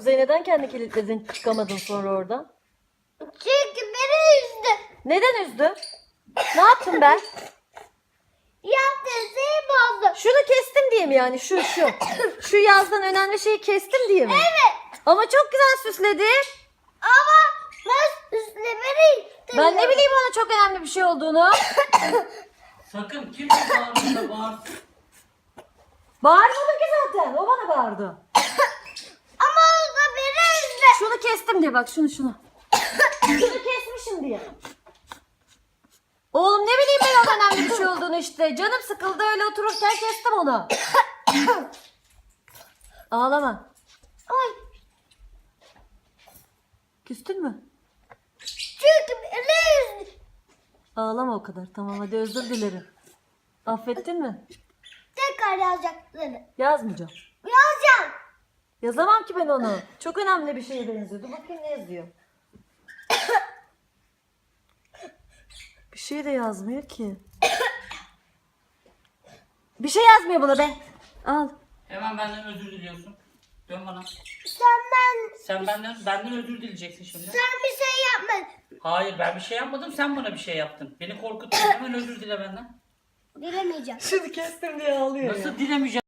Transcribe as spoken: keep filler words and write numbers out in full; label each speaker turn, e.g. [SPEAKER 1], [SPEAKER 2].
[SPEAKER 1] Kuzey neden kendi kilitledin çıkamadın sonra oradan?
[SPEAKER 2] Çünkü beni üzdü.
[SPEAKER 1] Neden üzdü? Ne yaptım ben?
[SPEAKER 2] Yaptığın şeyi bozdu.
[SPEAKER 1] Şunu kestim diye mi yani? Şu şu. Şu yazdan önemli şeyi kestim diye mi?
[SPEAKER 2] Evet.
[SPEAKER 1] Ama çok güzel süsledi.
[SPEAKER 2] Ama ben üstlemeni istedim.
[SPEAKER 1] Ben ne bileyim ona çok önemli bir şey olduğunu.
[SPEAKER 3] Sakın kim bağırırsa bağırsın.
[SPEAKER 1] Bağırmadım ki zaten. O bana bağırdı.
[SPEAKER 2] Ama o da beni üzdü.
[SPEAKER 1] Şunu kestim diye bak şunu şunu. Şunu kesmişim diye. Oğlum ne bileyim ben o önemli bir şey olduğunu işte. Canım sıkıldı öyle otururken kestim onu. Ağlama.
[SPEAKER 2] Ay.
[SPEAKER 1] Küstün mü?
[SPEAKER 2] Çünkü beni üzdü.
[SPEAKER 1] Ağlama o kadar. Tamam hadi özür dilerim. Affettin mi?
[SPEAKER 2] Tekrar yazacakları.
[SPEAKER 1] Yazmayacağım.
[SPEAKER 2] Yazacağım.
[SPEAKER 1] Yazamam ki ben onu. Çok önemli bir şeye benziyor. Dur bakayım ne yazıyor. Bir şey de yazmıyor ki. Bir şey yazmıyor buna be. Al.
[SPEAKER 3] Hemen benden özür diliyorsun. Dön bana.
[SPEAKER 2] Sen ben,
[SPEAKER 3] Sen benden benden özür dileyeceksin şimdi.
[SPEAKER 2] sen bir şey yapmadın.
[SPEAKER 3] Hayır ben bir şey yapmadım, sen bana bir şey yaptın. Beni korkuttun, hemen özür dile benden.
[SPEAKER 2] Dilemeyeceğim.
[SPEAKER 1] Şunu kestim diye ağlıyor
[SPEAKER 3] Nasıl dilemeyeceğim?